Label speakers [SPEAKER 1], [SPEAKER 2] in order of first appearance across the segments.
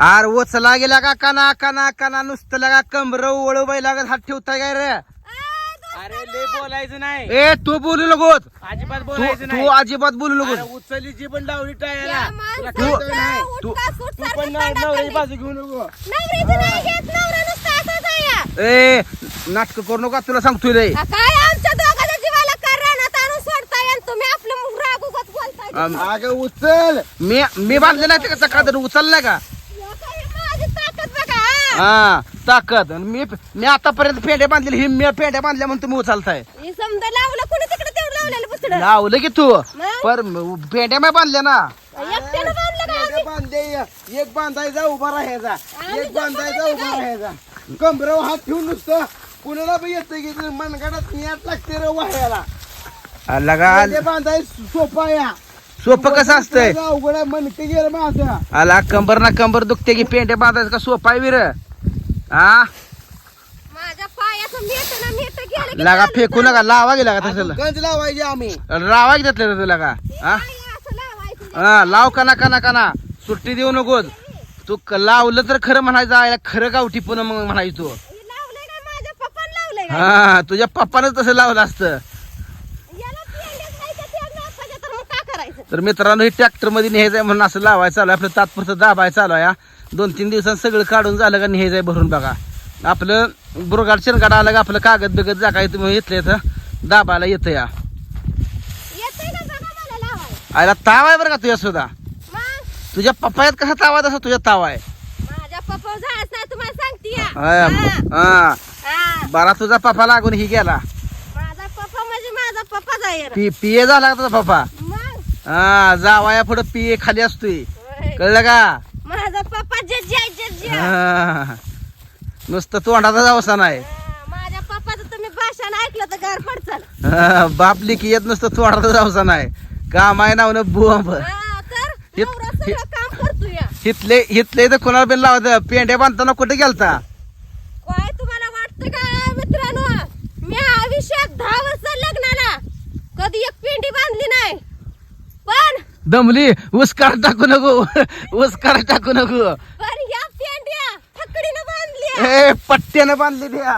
[SPEAKER 1] R उचला गेला का काना काना काना नुसतं लागा कमर वळू बाई लागत हात ठेवताय काय रे?
[SPEAKER 2] अरे लय बोलायचं नाही.
[SPEAKER 1] ए तू बोलू नकोस,
[SPEAKER 2] अजिबात बोलायचं
[SPEAKER 1] तू
[SPEAKER 2] नाही.
[SPEAKER 1] अजिबात बोलू नकोस.
[SPEAKER 2] उचलली जी पण लावली टाळ्याला.
[SPEAKER 3] या
[SPEAKER 2] तुला
[SPEAKER 3] माणसाचं
[SPEAKER 2] कळतं नाही.
[SPEAKER 1] तू-
[SPEAKER 2] तू पण नवऱ्याची बाजू घेऊ नको.
[SPEAKER 3] नवऱ्याचं नाही घेत, नवरा नुसता असाच आहे या.
[SPEAKER 1] ए नाटक करू नका तुला सांगतोय रे.
[SPEAKER 3] काय आमच्या दोघांच्या जीवाला करण्यात आणून सोडताय आणि तुम्ही आपलं राग उगाच बोलताय.
[SPEAKER 2] अगं उचल.
[SPEAKER 1] मी बांधले नाही ते कसं का उचललाय का?
[SPEAKER 3] या काय माझी ताकद बघा.
[SPEAKER 1] हा ताकद. आणि मी आतापर्यंत फेड्या बांधलेली, ही मी फेड्या बांधल्या म्हणून तुम्ही उचलताय.
[SPEAKER 3] हे समजा लावलं कोणी तिकडे तेवढं लावलेलं पुसडं.
[SPEAKER 1] लावलं की तू
[SPEAKER 3] मग?
[SPEAKER 1] पर फेड्या मी बांधल्या ना.
[SPEAKER 3] एकट्यानं बांधलं का आम्ही?
[SPEAKER 2] बांधे एक बांधायचा उभा राहायचा, एक बांधायचा उभा राहायचा. कमरावर हात ठेवून नुसतं कुणाला पण येतं की मनगडात न्याट लागते रे वाह्याला.
[SPEAKER 1] लगा
[SPEAKER 2] ते बांधायचं सोपा या.
[SPEAKER 1] सोपं कसं असतंय?
[SPEAKER 2] अवघड आहे, मनके गेलं माझं.
[SPEAKER 1] आला कंबर ना कंबर दुखते की पेंड्या बांधायचं का सोपा आहे विर? हा
[SPEAKER 3] माझ्या पायाचं मेट गेलं की
[SPEAKER 1] लगा
[SPEAKER 3] चालतं.
[SPEAKER 1] फेकू नका, लावा गेला का तसं?
[SPEAKER 2] गंज लावायची आम्ही.
[SPEAKER 1] रावा घेतलं तुला का? हा
[SPEAKER 3] पाय असं लावायचं.
[SPEAKER 1] हा लाव काना काना काना, सुट्टी देऊ नकोस तू. लावलं तर खरं म्हणायचं, आयला खरं गावठी पुन्हा मग म्हणायचं तू.
[SPEAKER 3] हे लावलंय का माझ्या पप्पानं लावलंय का?
[SPEAKER 1] हा तुझ्या पप्पानच तसं लावलं असतं.
[SPEAKER 3] याला पेंड्यात नाही का ते नापायचं तर मग काय करायचं?
[SPEAKER 1] तर मित्रांनो, हे ट्रॅक्टर मध्ये न्यायचंय म्हणून असं लावायचं चालू आहे. आपलं तात्पुरतं दाबाय चालू आहे. 2-3 दिवसात सगळं काढून झालं का न्यायचंय भरून बघा. आपलं बुरगाड शेणगाड आलं का आपलं कागद बिगद जा काय तुम्ही इथलं इथं दाबायला येतं या.
[SPEAKER 3] येतंय का बघा मला लावायला.
[SPEAKER 1] आयला ताव आहे बरं का तुझ्या सुद्धा.
[SPEAKER 3] मग
[SPEAKER 1] तुझ्या पप्पायात कसा ताव आहे तसा तुझ्या ताव आहे.
[SPEAKER 3] माझ्या पप्पा झाडच नाही तुम्हाला सांगते या.
[SPEAKER 1] हा,
[SPEAKER 3] हा.
[SPEAKER 1] हा.
[SPEAKER 3] हा.
[SPEAKER 1] बरा तुझा पप्पा लागून ही गेला.
[SPEAKER 3] माझा पप्पा म्हणजे माझा पप्पा जाईल.
[SPEAKER 1] पिये झाला का तुझा पप्पा?
[SPEAKER 3] मग
[SPEAKER 1] हा जावाया पुढं पिये खाली असतोय,
[SPEAKER 3] होय.
[SPEAKER 1] कळलं का?
[SPEAKER 3] माझा पप्पा जज्जी आहे जज्जी.
[SPEAKER 1] हा. नुसतं तोंडाचा जावसा नाही.
[SPEAKER 3] माझ्या पप्पाचं तुम्ही भाषण ऐकलं तर घर पडचाल.
[SPEAKER 1] हा, बाप लिखी येत नुसतं तोंडाचा जावसा नाही. काम आहे नाव बोंब.
[SPEAKER 3] तर
[SPEAKER 1] हे-
[SPEAKER 3] नवरा सगळं काम करतो या.
[SPEAKER 1] हितले तर कोणाला बिन लावत पेंड्या बांधताना कुठे गेलता?
[SPEAKER 3] काय तुम्हाला वाटतं का मित्रांनो, मी आयुष्यात 10 वर्ष लग्नाला कधी एक पेंडी बांधली नाही. पण
[SPEAKER 1] दमली उसकार टाकू नको, उसकार टाकू नको.
[SPEAKER 3] या पेंड्या फकडीनं बांधली.
[SPEAKER 1] ए पट्ट्यानं बांधली द्या.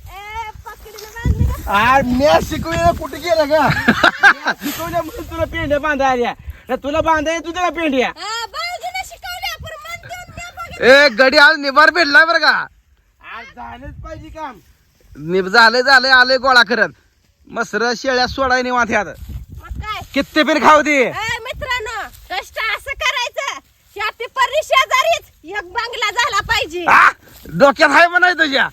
[SPEAKER 3] पकडीनं बांधली का?
[SPEAKER 2] आर मी शिकवलं कुठे गेलं का? शिकवल्या म्हणून तुला पेंड्या बांधायला. तर तुला बांधाय तू त्याला पेंड्या.
[SPEAKER 3] भाऊजीने शिकवल्या पण मन देऊन द्या बघा.
[SPEAKER 1] ए गडी आज निभार भेटलाय बरं का?
[SPEAKER 2] आज झालंच पाहिजे काम.
[SPEAKER 1] झालंय आलंय गोळा करत. मसर शेळ्या सोडाय निवांत ह्यात.
[SPEAKER 3] मग काय
[SPEAKER 1] किती पण खाऊ दे.
[SPEAKER 3] मित्रांनो, कष्ट असं करायचं. या पेपरनी शेजारीच एक बंगला झाला पाहिजे.
[SPEAKER 1] आ, डोक्यात हाय म्हणाय तुझ्या.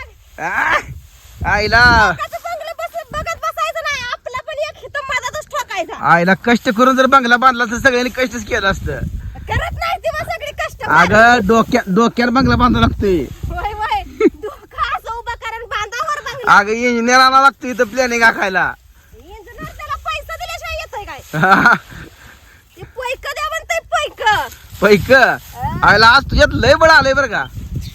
[SPEAKER 1] आ, आईला
[SPEAKER 3] बंगला बघत बसायचं नाही. आपला पण एक हित मधातच ठोकायचा.
[SPEAKER 1] आईला कष्ट करून जर बंगला बांधला तर सगळ्यांनी कष्टच केलं असतं.
[SPEAKER 3] करत नाही तेव्हा सगळी कष्ट.
[SPEAKER 1] अगं डोक्यात बंगला बांधावा लागतोय.
[SPEAKER 3] होय होय. डोकं असं उभं करून बांधावर बंगला.
[SPEAKER 1] अगं इंजिनियर आणावं लागतं इथं प्लॅनिंग आखायला.
[SPEAKER 3] इंजिनियर त्याला पैसा दिल्याशिवाय येतोय काय? ते पैक द्या म्हणतंय पैक.
[SPEAKER 1] पैक आईला आज तुझ्यात लय बळ आलंय बरं का?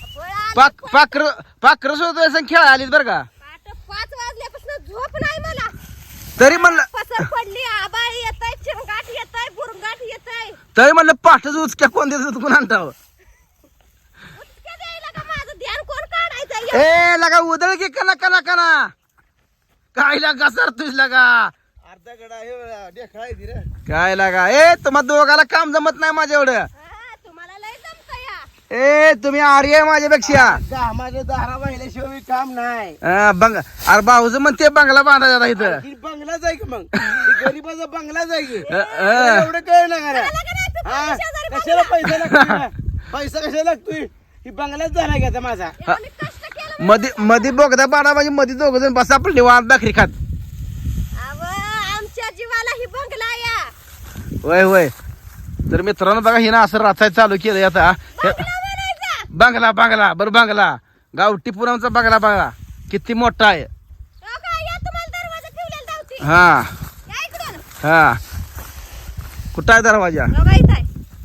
[SPEAKER 1] पाखर सुद्धा खेळा आलीत बरं का?
[SPEAKER 3] 5 वाजल्यापासून झोप नाही मला.
[SPEAKER 1] तरी म्हणलं
[SPEAKER 3] पसर पडली, आबाळ येतय, चिरगाट येतय, बुरगाट येतय.
[SPEAKER 1] तरी म्हणलं पाठच उचक्या कोण देत कोण आणताव?
[SPEAKER 3] उचक्या द्यायला का माझं ध्यान कोण काढायचं?
[SPEAKER 1] ए लगा उदळ की कना कना कना काय लागा सर तुझ लगा
[SPEAKER 2] अर्धा गडा हे ढेकळायची रे.
[SPEAKER 1] काय लागा? ए तुम्हा दोघाला काम जमत नाही माझ्या एवढं.
[SPEAKER 3] तुम्हाला लय जमतं या.
[SPEAKER 1] ए तुम्ही आर्य आहे माझ्यापेक्षा.
[SPEAKER 2] माझ्या दारा वाहिल्याशिवाय काम नाही.
[SPEAKER 1] अरे भाऊज म्हणते बंगला बांधायचा इथं.
[SPEAKER 2] ही बंगलाच आहे की मग? ही गरीबाचा बंगलाच आहे की?
[SPEAKER 1] अ.
[SPEAKER 2] एवढं कळ ना
[SPEAKER 3] मला का नाही तू
[SPEAKER 2] हा,
[SPEAKER 3] शेजारी
[SPEAKER 2] कशाला पैसा लागतोय? पैसा कशाला लागतोय? ही बंगलाच झाला घ्यायचा माझा.
[SPEAKER 3] बघा. मी कष्ट केलं.
[SPEAKER 1] मध्ये बोगदा बांधा म्हणजे मध्ये दोघ जण बसा आपली वाट भाकरी खात.
[SPEAKER 3] अव, आमच्या जीवाला ही बंगला या.
[SPEAKER 1] होय होय. तर मित्रांनो बघा हिनं असं राचायला चालू केलं आता.
[SPEAKER 3] बंगला म्हणायचा.
[SPEAKER 1] बंगला बरं बंगला गावठी पुरामचा बंगला बघा किती मोठा आहे.
[SPEAKER 3] हो का? या तुम्हाला दरवाजा ठेवलेला धावती.
[SPEAKER 1] हा
[SPEAKER 3] या इकडून.
[SPEAKER 1] हा कुठं आहे दरवाजा?
[SPEAKER 3] बघा इथं आहे.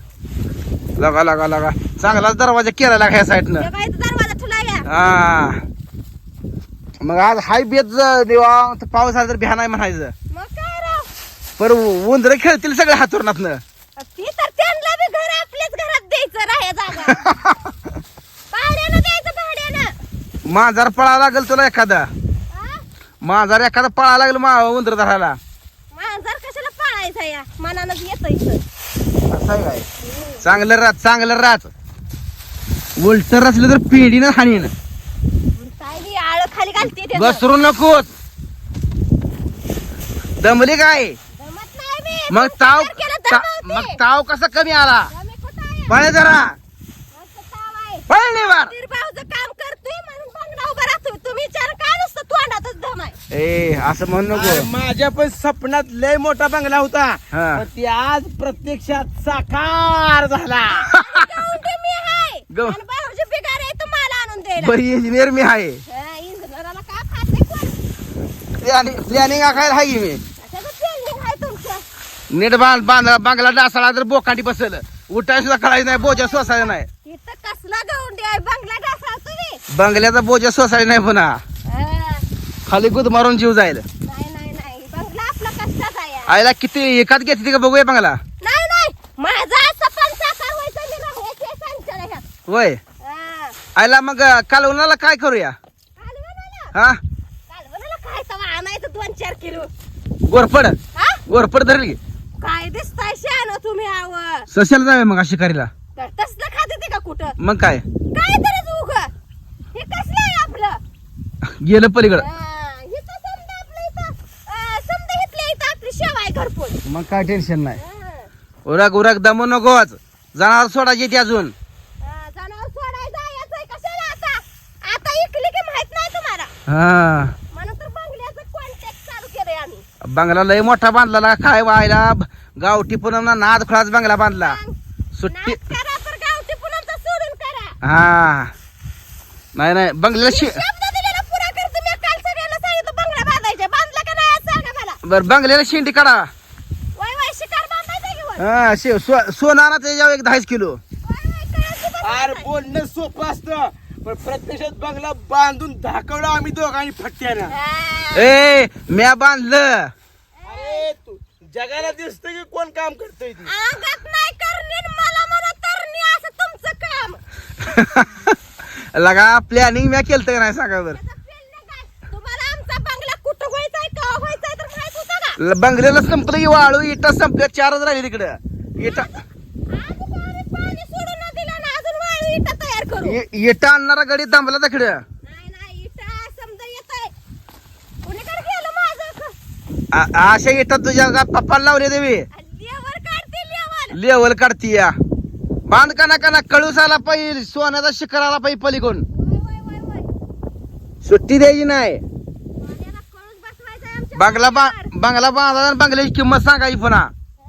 [SPEAKER 1] लगा चांगलाच दरवाजा केला लागा ह्या साईडनं.
[SPEAKER 3] बघा इथं दरवाजा ठेवला या.
[SPEAKER 1] हा मग आज हाय बेत देवा पाऊस आला तर भ्या नाही म्हणायचं.
[SPEAKER 3] मग काय राव?
[SPEAKER 1] पर उंदर खेळतील सगळ्या हातुरणातनं.
[SPEAKER 3] ती तर त्यांना बी घर आपल्याच घरात द्यायचं राहाय जागा.
[SPEAKER 1] मांजर पळायला लागेल तुला एखादा
[SPEAKER 3] हा?
[SPEAKER 1] मांजर एखादा पळायला लागेल उंदर धरायला
[SPEAKER 3] मांजर कशाला पाळायचा या मनानच येत इथं
[SPEAKER 1] असं आहे काय चांगलं राच उलट रचलं तर पिढीनं हाणीन
[SPEAKER 3] काय बी आळ खाली घालते ते
[SPEAKER 1] घसरू नकोस दमली काय
[SPEAKER 3] जमत नाही मी
[SPEAKER 1] मग
[SPEAKER 3] तुमचं
[SPEAKER 1] ताव
[SPEAKER 3] घर केलं तर
[SPEAKER 1] मग ताव कसा कमी आला
[SPEAKER 3] मी कुठं आहे?
[SPEAKER 1] पळे जरा
[SPEAKER 3] मस्त ताव आहे.
[SPEAKER 1] पळ निवार
[SPEAKER 3] भाऊचं काम करतोय म्हणून बंगला उभा राहतोय तुम्ही विचार का नुसतं तोंडातच दम आहे
[SPEAKER 1] ए असं म्हणू
[SPEAKER 2] अरे
[SPEAKER 1] नको
[SPEAKER 2] माझ्या पण स्वप्नात लय मोठा बंगला होता
[SPEAKER 1] हा.
[SPEAKER 2] पण ती आज प्रत्यक्षात साकार झाला
[SPEAKER 3] गावंडी मी आहे
[SPEAKER 1] गं.
[SPEAKER 3] आणि भाऊजी बिगार आहे तुम्हाला आणून द्यायला
[SPEAKER 1] बरी इंजिनियर मी आहे
[SPEAKER 3] इंजिनियराला का खाते कोण
[SPEAKER 1] प्लॅनिंग आखायला आहे की मी
[SPEAKER 3] त्याचं ट्रेनिंग आहे तुमचं
[SPEAKER 1] नीट बांगला डासाळा तर बोकांडी बसल उठाय सुद्धा कळायचं नाही बोजा सोसायचा नाही
[SPEAKER 3] इथं कसला गावंडी आहे बंगला डासा तुम्ही
[SPEAKER 1] बंगल्याचा बोजा सोसायचा नाही पुन्हा खाली गुद मारून जीव जाईल
[SPEAKER 3] नाही बंगला आपला कष्टाचा आहे
[SPEAKER 1] आईला किती एकात घेतली का बघूया बंगला
[SPEAKER 3] नाही माझा सपन साकार व्हायचं मी राहायचे संचय ह्यात
[SPEAKER 1] होय आईला मग कालवणाला काय करूया
[SPEAKER 3] कालवणाला
[SPEAKER 1] हा
[SPEAKER 3] कालवणाला काय तवा आणायचं 2-4 किलो
[SPEAKER 1] गोरपड
[SPEAKER 3] हा
[SPEAKER 1] गोरपड धरली की
[SPEAKER 3] काय दिसताय शान तुम्ही आव
[SPEAKER 1] सशाला जाऊया मग शिकारीला
[SPEAKER 3] तर तसलं खाते ते का कुठं
[SPEAKER 1] मग काय
[SPEAKER 3] काय तरच उग हे कसलं आहे आपलं
[SPEAKER 1] गेलं पलीकडं
[SPEAKER 3] इथं समजा आपलं इथं समजा इथल्या इथं आपली शेव आहे घरपोच
[SPEAKER 1] मग काय टेन्शन नाही उरक दमू नकोच जनावर सोडायची ती अजून
[SPEAKER 3] जनावर सोडायचं यायचंय कशाला आता इकली की माहित नाही तुम्हाला
[SPEAKER 1] हा
[SPEAKER 3] म्हणून तर बंगल्याचं कॉन्टॅक्ट चालू केलंय आम्ही
[SPEAKER 1] बंगला लय मोठा बांधला काय व्हायला गावठी पुन्हा नाद खुळाच बंगला बांधला सुट्टी
[SPEAKER 3] नाद करा तर गावठी पुन्हा सोडून करा
[SPEAKER 1] हा नाही बंगल्याला
[SPEAKER 3] शब्द दिलेला पुरा कर तुम्ही काल सगळ्यांना सांगितलं बंगला बांधायचे बांधला का नाही आज सांगा मला
[SPEAKER 1] बर बंगल्याला शेंडी काढा
[SPEAKER 3] वय शिकार बांधायचा की वय
[SPEAKER 1] हा सोनारा त्याच्यावर एक 10 किलो
[SPEAKER 3] कळायची बघ
[SPEAKER 2] अरे बोलणं सोपं असतं पण प्रत्यक्षात बंगला बांधून धाकवलं आम्ही दोघांनी फटक्यानं
[SPEAKER 1] ए म्या बांधलं
[SPEAKER 2] अरे तू जगाला दिसतं की कोण काम करतोय ती
[SPEAKER 3] अंगात नाही करणे मला म्हणा तरणी असं तुमचं काम
[SPEAKER 1] लगा प्लॅनिंग म्या केलं का नाही सांगा बर
[SPEAKER 3] त्याचं feeling काय? तुम्हाला आमचा बंगला कुठं व्हायचाय का व्हायचाय तर माहित होतं का
[SPEAKER 1] बंगल्याला संपलं की वाळू इटा संपल्या 4च राहिली तिकडं इटा
[SPEAKER 3] आधी पाणी सोडून न दिलं ना अजून वाळू इटा तयार करू
[SPEAKER 1] इटा आणणारा गडी थांबला तिकडं
[SPEAKER 3] नाही इटा समजा येतंय कुणीकडे गेलं माझं
[SPEAKER 1] अशा इटा तुझ्या पप्पाला लावले देवी
[SPEAKER 3] लेवर काढते लेवर
[SPEAKER 1] लेवल काढती या बांध का कळूसाला पाहिजे सोन्याचा शिखराला पाहिजे पलीकडून
[SPEAKER 3] वय
[SPEAKER 1] सुट्टी द्यायची नाही
[SPEAKER 3] माझ्याला कळूच बसवायचंय आमच्या
[SPEAKER 1] बंगला बांधा आणि बंगल्याची किंमत सांगायची पुन्हा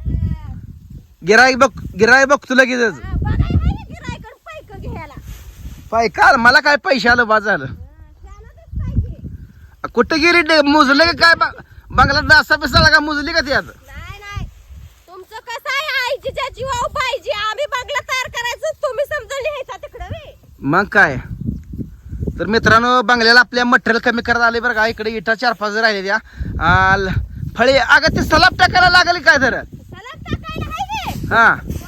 [SPEAKER 1] गिराई बघतो लगेचच
[SPEAKER 3] बघाय हाय ना गिरायकडे पैक घ्यायला
[SPEAKER 1] पाय काल मला काय पैसे आलं बाद झालं
[SPEAKER 3] शानच पाहिजे
[SPEAKER 1] कुठं गेली मुजले का काय बंगला डासा बिसाला का मुजली का त्यात
[SPEAKER 3] नाही तुमचं कसं आहे आईची ज्याची वाव पाहिजे आम्ही बंगला तयार करायचं तुम्ही समजून लिहायचा तिकडं वे
[SPEAKER 1] मग काय तर मित्रांनो बंगल्याला आपल्या मटेरियल कमी करत आले बरं का इकडे इटा 4-5 राहिले त्या फळे अगं ते सलाब टाकायला लागले काय तर
[SPEAKER 3] सलाद टाकायला हाय गे
[SPEAKER 1] हा